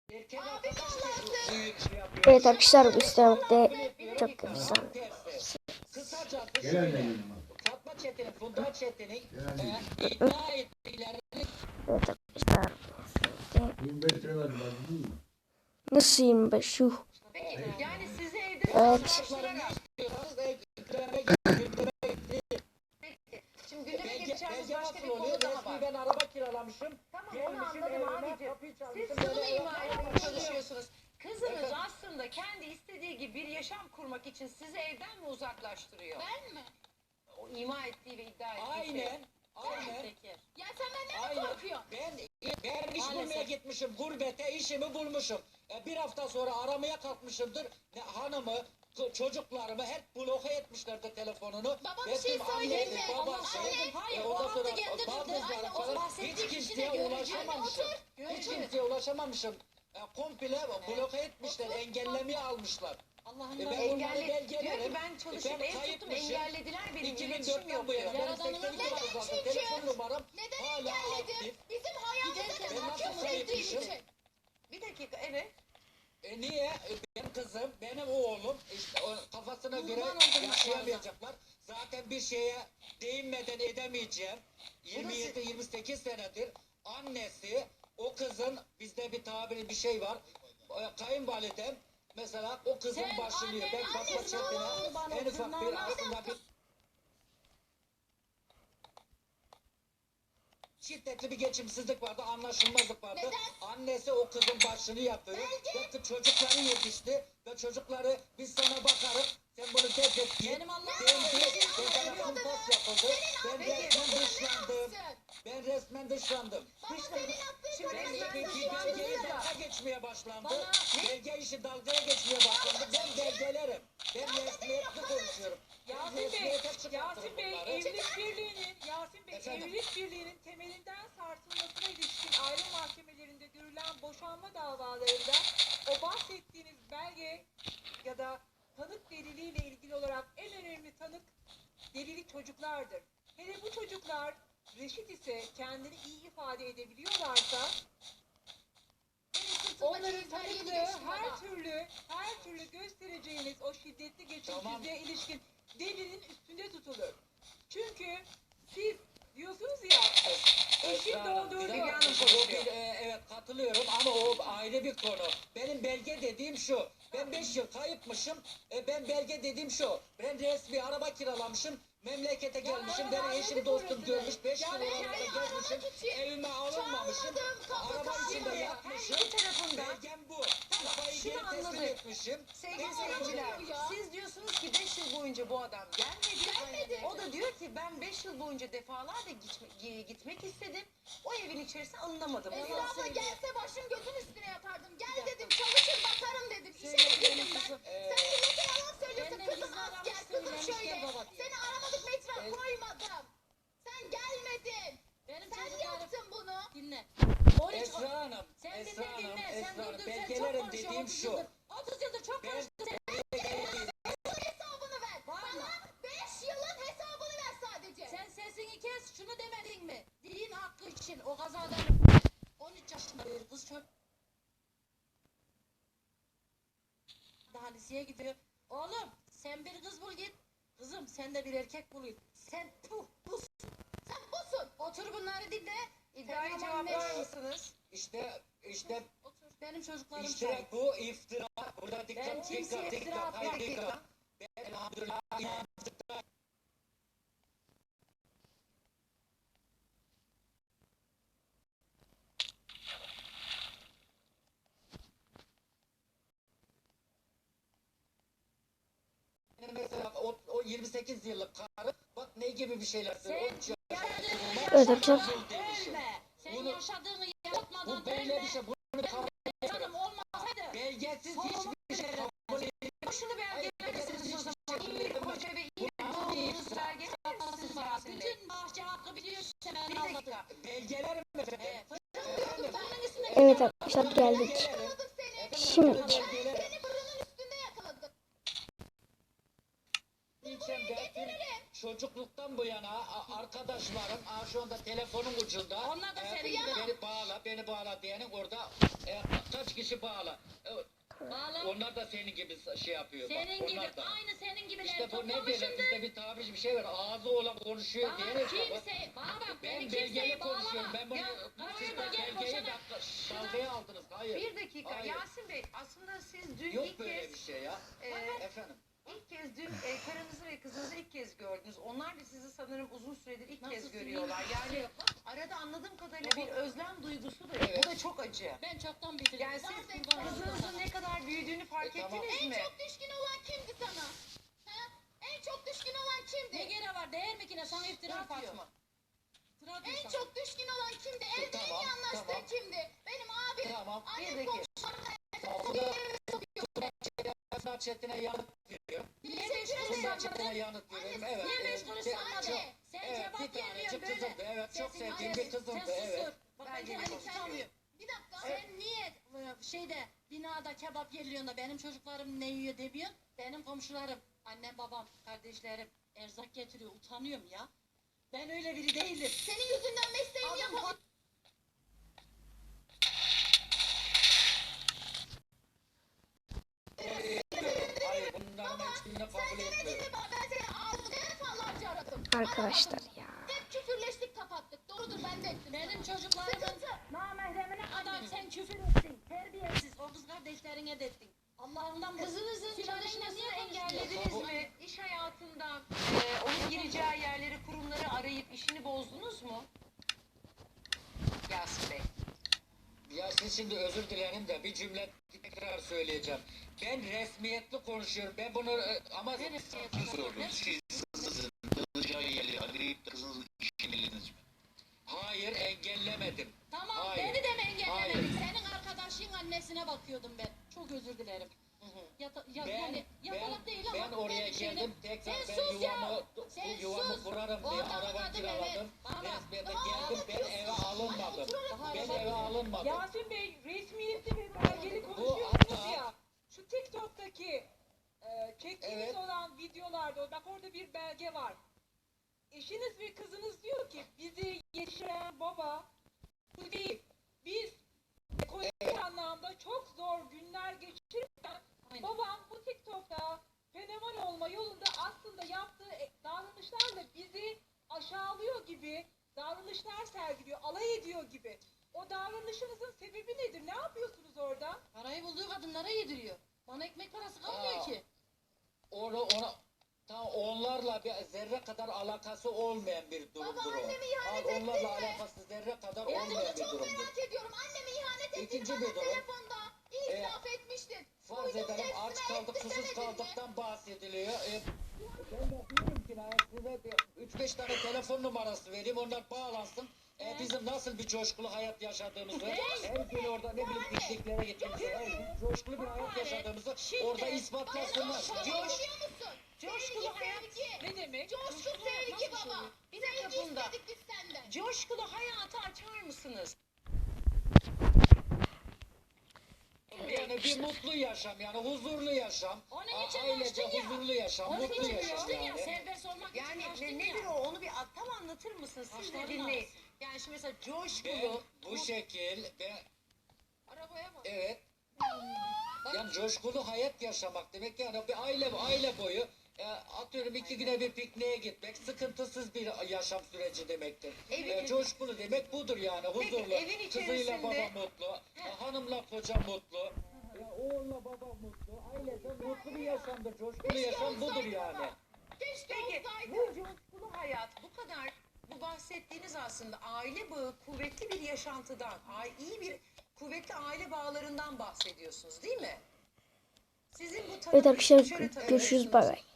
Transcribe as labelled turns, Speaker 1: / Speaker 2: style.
Speaker 1: Evet arkadaşlar bu istemekte çok güzel.
Speaker 2: Fatma Çetin'in, Funda Çetin'in iddia ettiklerini...
Speaker 1: Evet arkadaşlar.
Speaker 3: 25 lira verdim ben.
Speaker 1: Nasıl 25 yuh.
Speaker 4: Yani size evde
Speaker 1: Evet.
Speaker 4: Şimdi gündeme
Speaker 2: Belge
Speaker 4: geçeceğimiz başka bir
Speaker 2: nasıl oluyor?
Speaker 4: konu daha
Speaker 2: Resmi
Speaker 4: var.
Speaker 2: ben araba kiralamışım.
Speaker 4: Tamam onu
Speaker 2: Gelmişim
Speaker 4: anladım
Speaker 2: evime,
Speaker 4: abicim.
Speaker 2: kapıyı
Speaker 4: Siz
Speaker 2: çalmışım,
Speaker 4: şunu
Speaker 2: böyle
Speaker 4: ima etmeye
Speaker 2: yapmışım.
Speaker 4: çalışıyorsunuz. Kızınız aslında kendi istediği gibi bir yaşam kurmak için sizi evden mi uzaklaştırıyor?
Speaker 5: Ben mi?
Speaker 4: O ima ettiği ve iddia ettiği şey.
Speaker 2: Aynen. Aynen.
Speaker 5: Ya sen benden mi
Speaker 2: Aynen.
Speaker 5: korkuyorsun?
Speaker 2: Ben iş bulmaya
Speaker 4: Maalesef.
Speaker 2: gitmişim gurbete, işimi bulmuşum. Bir hafta sonra aramaya kalkmışımdır. Hanımı, çocuklarımı hep bloke etmişlerdi telefonunu.
Speaker 5: Baba bir
Speaker 2: Benim
Speaker 5: şey söyleyeyim mi?
Speaker 2: annesi, babası,
Speaker 4: Hayır,
Speaker 5: Anne,
Speaker 4: o
Speaker 2: ondan
Speaker 5: babam
Speaker 2: sonra
Speaker 5: da geldi dedi.
Speaker 2: baldızlarım
Speaker 5: Anne, o
Speaker 2: falan.
Speaker 5: bahsettiği
Speaker 2: Hiç
Speaker 5: kişi de
Speaker 2: kimseye
Speaker 5: görücü.
Speaker 2: ulaşamamışım.
Speaker 5: Anne,
Speaker 2: Hiç
Speaker 5: otur.
Speaker 2: kimseye ulaşamamışım. Komple bloke etmişler, engellemeye almışlar.
Speaker 4: Allah'ım
Speaker 2: Ben
Speaker 4: engelli.
Speaker 2: bunları
Speaker 4: Diyor
Speaker 2: belgelerim.
Speaker 4: ki ben çalışıp
Speaker 2: Ben
Speaker 4: ev tuttum
Speaker 2: kayıtmışım.
Speaker 4: engellediler benim iletişim
Speaker 2: 2004'ten
Speaker 4: yok
Speaker 2: bu yana
Speaker 4: diyor.
Speaker 2: benim 82 var zaten.
Speaker 5: çünkü?
Speaker 2: Telefon numaram
Speaker 5: Neden
Speaker 2: hala
Speaker 5: engelledim?
Speaker 2: aktif.
Speaker 5: Bizim hayatımıza
Speaker 4: Giderken
Speaker 2: ben
Speaker 5: kadar
Speaker 2: nasıl
Speaker 5: çok ettiğin
Speaker 2: saymışım?
Speaker 5: için.
Speaker 4: Bir dakika evet.
Speaker 2: Niye? Benim kızım, benim oğlum işte kafasına göre
Speaker 4: Kurban oldum
Speaker 2: yaşayamayacaklar. Zaten bir şeye değinmeden edemeyeceğim. 27-28 senedir annesi o kızın, bizde bir tabiri bir şey var. Kayınvalidem mesela o kızın
Speaker 5: Sen
Speaker 2: başını yiyor. Ben
Speaker 5: annenin
Speaker 2: Fatma
Speaker 5: annesi
Speaker 2: Çetin'e
Speaker 4: olsun,
Speaker 2: en ufak bir
Speaker 4: tırnağına-
Speaker 2: aslında bir şiddetli bir geçimsizlik vardı, anlaşılmazlık vardı.
Speaker 5: Neden?
Speaker 2: Annesi o kızın başını yapıyor. Ve çocukları yetişti. Ve çocukları biz sana bakarız. Sen bunu defet git.
Speaker 4: Benim Allah'ım
Speaker 2: Ben sana kumpas yapıldı. Ben resmen dışlandım.
Speaker 5: Yapsın.
Speaker 2: Ben resmen dışlandım.
Speaker 5: Baba senin attığın
Speaker 4: Şimdi
Speaker 2: Ben
Speaker 5: kadar
Speaker 4: resmen
Speaker 2: bir belgeye
Speaker 4: dışlandı da.
Speaker 2: dalga geçmeye başlandı.
Speaker 4: Bana-
Speaker 2: Belge işi dalgaya geçmeye başlandı. Ben belgelerim. Ben resmiyetli konuşuyorum. Ben
Speaker 6: Yasin Bey,
Speaker 2: resmiyete çıkartırım
Speaker 6: Yasin Bey
Speaker 2: bunları.
Speaker 6: Evlilik Birliği'nin temelinden sarsılmasına ilişkin aile mahkemelerinde görülen boşanma davalarında o bahsettiğiniz belge ya da tanık deliliyle ilgili olarak en önemli tanık delili çocuklardır. Hele bu çocuklar reşit ise kendini iyi ifade edebiliyorlarsa onların tanıklığı her türlü göstereceğiniz o şiddetli geçimsizliğe ilişkin delilin üstünde tutulur. Çünkü siz diyorsunuz ya eşim doğduğu
Speaker 2: Bir
Speaker 6: gibi
Speaker 2: dakika, evet katılıyorum ama o ayrı bir konu. Benim belge dediğim şu. Ben 5 yıl kayıpmışım. Ben belge dediğim şu. Ben resmi araba kiralamışım. Memlekete gelmişim. Beni eşim dostum görmüş. 5 yıl oralarda gezmişim. Evime alınmamışım. Araba içinde yatmışım.
Speaker 4: Her iki tarafında.
Speaker 2: Belgem bu. Arabayı
Speaker 4: şunu
Speaker 2: geri teslim
Speaker 4: anladık.
Speaker 2: etmişim.
Speaker 4: Sevgili seyirciler, siz diyorsunuz ki 5 yıl boyunca bu adam gelmedi. O da diyor ki ben 5 yıl boyunca defalarca gitmek istedim. O evin içerisine alınamadım.
Speaker 5: Esra abla gelse başım gözün üstüne yatardım. Gel dedim çalışır bakarım dedim. İşe de girdim ben. Sen millete yalan söylüyorsun. Kızım asker, kızım şöyle. Seni aramadık metre koymadım. Sen gelmedin. Sen yaptın bunu.
Speaker 4: Dinle.
Speaker 2: Esra Hanım, Esra Hanım, Esra Hanım. Belgelerim dediğim şu.
Speaker 4: 30 yıldır çok konuştun.
Speaker 5: Hesabını ver. Bana 5 yılın hesabını ver sadece.
Speaker 4: Sen sesini kes, şunu demedin mi? Din hakkı için o kazadan 13 yaşında bir kız çocuk daha liseye gidiyor. Oğlum sen bir kız bul git. Kızım sen de bir erkek bul git. Sen busun.
Speaker 5: Sen busun.
Speaker 4: Otur bunları dinle. İddiayı cevaplar mısınız?
Speaker 2: İşte
Speaker 4: Otur. Benim çocuklarım
Speaker 2: İşte bu iftira. Burada
Speaker 4: Ben
Speaker 2: dikkat,
Speaker 4: kimseye
Speaker 2: dikkat,
Speaker 4: iftira
Speaker 2: dikkat, hayır
Speaker 4: atmam.
Speaker 2: dikkat. Ben elhamdülillah inandıkta. Mesela o 28 yıllık karı bak ne gibi bir şeyler söylüyor.
Speaker 1: Evet arkadaşlar.
Speaker 4: Ölme. Sen
Speaker 2: Bunu-
Speaker 4: yaşadığını
Speaker 2: Bu
Speaker 4: yaşatmadan
Speaker 2: böyle
Speaker 4: ölme.
Speaker 2: bir şey. Bunu kabul
Speaker 4: Canım olmasaydı.
Speaker 2: belgesiz hiçbir şey kabul
Speaker 4: Şunu belgelersiniz o zaman. İyi bir koca ve iyi bir doğumlusu belgelersiniz bana. Bütün bahçe hakkı biliyorsun sen
Speaker 2: Bir
Speaker 4: anladın.
Speaker 2: dakika. Belgelerim efendim.
Speaker 1: Evet arkadaşlar geldik.
Speaker 5: Yakaladık seni.
Speaker 1: Şimdi
Speaker 5: Seni fırının üstünde yakaladık.
Speaker 2: Çocukluktan bu yana arkadaşlarım şu anda telefonun ucunda.
Speaker 4: Onlar da senin gibi.
Speaker 2: Beni bağla diyenin orada kaç kişi kişi bağla.
Speaker 7: Bağla.
Speaker 2: Onlar da senin gibi şey yapıyor. bak,
Speaker 7: Senin gibi,
Speaker 2: onlar da.
Speaker 7: aynı senin gibileri
Speaker 2: İşte bu ne derler?
Speaker 7: toplamışımdır.
Speaker 2: Bizde bir tabir bir şey var. Ağzı olan konuşuyor
Speaker 7: Bana
Speaker 2: diye.
Speaker 7: kimse, bana bak beni
Speaker 2: Ben
Speaker 7: kimseye
Speaker 2: belgeli konuşuyorum.
Speaker 7: bağlama.
Speaker 2: Ben bunu
Speaker 7: Ya,
Speaker 2: siz
Speaker 7: karşıma
Speaker 2: de
Speaker 7: gel
Speaker 2: belgeyi
Speaker 7: boşana.
Speaker 2: dalgaya aldınız. Hayır.
Speaker 4: Bir dakika
Speaker 2: Hayır.
Speaker 4: Yasin Bey, aslında siz dün
Speaker 2: Yok
Speaker 4: ilk
Speaker 2: böyle
Speaker 4: kez
Speaker 2: bir şey ya. Efendim.
Speaker 4: İlk kez dün karınızı ve kızınızı ilk kez gördünüz. Onlar da sizi sanırım uzun süredir ilk kez görüyorlar. Yani arada anladığım kadarıyla bir özlem duygusu da yok.
Speaker 2: Evet.
Speaker 4: Bu da çok acı.
Speaker 7: Ben çoktan bitirdim.
Speaker 4: Yani siz kızınızın ne kadar büyüdüğünü fark
Speaker 2: Tamam.
Speaker 4: ettiniz
Speaker 5: En
Speaker 4: mi?
Speaker 5: çok düşkün olan kimdi sana? Ha? En çok düşkün olan
Speaker 7: Ne
Speaker 5: kimdi?
Speaker 7: gene var değil mi ki ne sana iftira atıyor.
Speaker 4: Fatma.
Speaker 7: İftira atıyor
Speaker 5: En
Speaker 7: sana.
Speaker 5: çok düşkün olan kimdi? Evde en
Speaker 2: Tamam,
Speaker 5: iyi anlaştığın
Speaker 2: tamam.
Speaker 5: kimdi? Benim abim.
Speaker 2: Tamam.
Speaker 4: Bir
Speaker 5: Annem
Speaker 4: dakika.
Speaker 5: komşularım.
Speaker 2: Fırat Çetin'e yanıt veriyorum.
Speaker 7: Niye beş kuruş
Speaker 2: Fırat
Speaker 7: sanmadın?
Speaker 2: Çetin'e yanıt veriyorum. Evet.
Speaker 7: Niye beş kuruş sanmadın? Sen
Speaker 2: Evet,
Speaker 7: cevap
Speaker 2: bir tanecik
Speaker 7: vermiyorsun böyle.
Speaker 2: kızımdı. Evet, çok
Speaker 7: Sesin-
Speaker 2: sevdiğim
Speaker 7: Hayır,
Speaker 2: bir kızımdı.
Speaker 7: Sen
Speaker 2: Evet.
Speaker 7: sustur. Bak ben
Speaker 4: Bence
Speaker 7: kendimi
Speaker 4: de.
Speaker 7: tutamıyorum.
Speaker 5: Bir dakika.
Speaker 7: Sen niye şeyde binada kebap yerliyorsun da benim çocuklarım ne yiyor demiyorsun? Benim komşularım, annem babam, kardeşlerim erzak getiriyor. Utanıyorum ya. Ben öyle biri değilim.
Speaker 5: Senin yüzünden mesleğimi yapamam.
Speaker 2: Hayır, bunların hiçbirini kabul
Speaker 5: Sen demedin
Speaker 2: etmiyorum.
Speaker 5: mi bana? Ben seni ağzını defalarca aradım.
Speaker 1: Arkadaşlar
Speaker 5: Aramadın.
Speaker 1: ya.
Speaker 5: Hep küfürleştik kapattık. Doğrudur ben de ettim.
Speaker 7: Benim çocuklarımın
Speaker 5: Sıkıntı.
Speaker 7: namahremine kadar sen küfür ettin. Terbiyesiz. O kız kardeşlerine de ettin. Allah'ından bu.
Speaker 5: Kızınızın
Speaker 7: Sülalesine niye
Speaker 5: çalışmasını
Speaker 7: engellediniz?
Speaker 4: Engellediniz mi? İş hayatında onun gireceği yerleri, kurumları arayıp işini bozdunuz mu? Yasin Bey.
Speaker 2: Ya siz şimdi özür dilerim de bir cümle tekrar söyleyeceğim. Ben resmiyetli konuşuyorum. Ben bunu ama
Speaker 8: Sordum. Siz kızınızın kalacağı yeri arayıp da kızınızın işini ellediniz mi?
Speaker 2: hayır engellemedim.
Speaker 7: Tamam
Speaker 2: Hayır.
Speaker 7: beni de mi engellemedin?
Speaker 2: Hayır.
Speaker 7: Senin arkadaşın annesine bakıyordum ben. Çok özür dilerim. Yani yatalak değil ama.
Speaker 2: Ben oraya
Speaker 7: bir şeyle-
Speaker 2: geldim tekrar
Speaker 7: Sen
Speaker 2: ben
Speaker 7: sus
Speaker 2: yuvamı,
Speaker 7: Sen
Speaker 2: yuvamı
Speaker 7: sus.
Speaker 2: kurarım diye
Speaker 7: Oradan
Speaker 2: araba
Speaker 7: anladım,
Speaker 2: kiraladım.
Speaker 7: evet. Bana bak.
Speaker 2: Resmiyete geldim ben eve alınmadım. Ben eve alınmadım.
Speaker 6: Yasin Bey resmiyetli ve belgeli
Speaker 2: Bu
Speaker 6: konuşuyorsunuz
Speaker 2: hatta-
Speaker 6: ya. Şu TikTok'taki çektiğiniz
Speaker 2: Evet.
Speaker 6: olan videolarda bak orada bir belge var. Eşiniz ve kızınız diyor ki bizi yetiştiren baba bu değil. Biz ekonomik anlamda çok zor günler geçirirken
Speaker 7: Aynen.
Speaker 6: babam bu TikTok'ta fenomen olma yolunda aslında yaptığı davranışlarla bizi aşağılıyor gibi davranışlar sergiliyor, alay ediyor gibi. O davranışınızın sebebi nedir? Ne yapıyorsunuz orada?
Speaker 7: Parayı bulduğu kadınlara yediriyor. Bana ekmek parası kalmıyor
Speaker 2: Aa.
Speaker 7: ki.
Speaker 2: Onlarla bir zerre kadar alakası olmayan bir durumdur
Speaker 5: Baba,
Speaker 2: o.
Speaker 5: annemi ihanet ettin
Speaker 2: Onlarla
Speaker 5: mi?
Speaker 2: alakası zerre kadar
Speaker 5: Ben
Speaker 2: olmayan
Speaker 5: bunu
Speaker 2: bir
Speaker 5: çok
Speaker 2: durumdur.
Speaker 5: merak ediyorum. Anneme ihanet ettiğini
Speaker 2: İkinci
Speaker 5: bana
Speaker 2: bir durum.
Speaker 5: telefonda itiraf etmiştin.
Speaker 2: Farz
Speaker 5: Duydum,
Speaker 2: edelim aç
Speaker 5: hepsine
Speaker 2: kaldık,
Speaker 5: etti
Speaker 2: susuz
Speaker 5: demedin mi?
Speaker 2: kaldıktan bahsediliyor. Ben de diyorum ki size 3-5 tane telefon numarası vereyim, onlar bağlansın. Bizim nasıl bir coşkulu hayat yaşadığımızı, her gün orada ne bileyim pikniklere gittiğimizi, her gün coşkulu bir hayat yaşadığımızı orada ispatlasınlar.
Speaker 5: Biliyor musun?
Speaker 4: Coşkulu
Speaker 5: Sevgi,
Speaker 4: hayat
Speaker 5: sevgi.
Speaker 6: Ne demek?
Speaker 5: Coşku sevgi baba.
Speaker 4: Bir dakika
Speaker 5: Sevgi
Speaker 4: Funda.
Speaker 5: istedik biz senden.
Speaker 4: Coşkulu hayatı açar mısınız?
Speaker 2: Yani bir mutlu yaşam, yani huzurlu yaşam,
Speaker 7: Onun için
Speaker 2: ailece
Speaker 7: açtın ya.
Speaker 2: huzurlu yaşam,
Speaker 7: Onun
Speaker 2: mutlu
Speaker 7: için
Speaker 2: yaşam
Speaker 7: açtın ya.
Speaker 2: yani.
Speaker 7: Serbest olmak için
Speaker 4: Yani
Speaker 7: açtın
Speaker 4: nedir
Speaker 7: ya.
Speaker 4: o? Onu bir tam anlatır mısınız? Siz de
Speaker 7: Başlarına
Speaker 4: dinleyin.
Speaker 7: alsın.
Speaker 4: Yani şimdi mesela
Speaker 2: Ben
Speaker 4: coşkulu.
Speaker 2: bu şekil,
Speaker 7: Arabaya bak.
Speaker 2: evet, yani coşkulu hayat yaşamak demek yani bir aile boyu atıyorum 2 güne bir pikniğe gitmek sıkıntısız bir yaşam süreci demektir. Coşkulu demek budur yani huzurlu.
Speaker 4: evin
Speaker 2: Kızıyla
Speaker 4: içerisinde-
Speaker 2: baba mutlu, hanımla koca mutlu, oğulla baba mutlu, ailece mutlu bir yaşamdır. Coşkulu yaşam budur yani.
Speaker 5: Keşke
Speaker 4: Peki
Speaker 5: olsaydı.
Speaker 4: bu coşkulu hayat bu kadar bu bahsettiğiniz aslında aile bağı kuvvetli bir yaşantıdan, iyi bir kuvvetli aile bağlarından bahsediyorsunuz değil mi? Sizin bu
Speaker 1: Evet arkadaşlar
Speaker 4: şöyle
Speaker 1: görüşürüz, bay bay.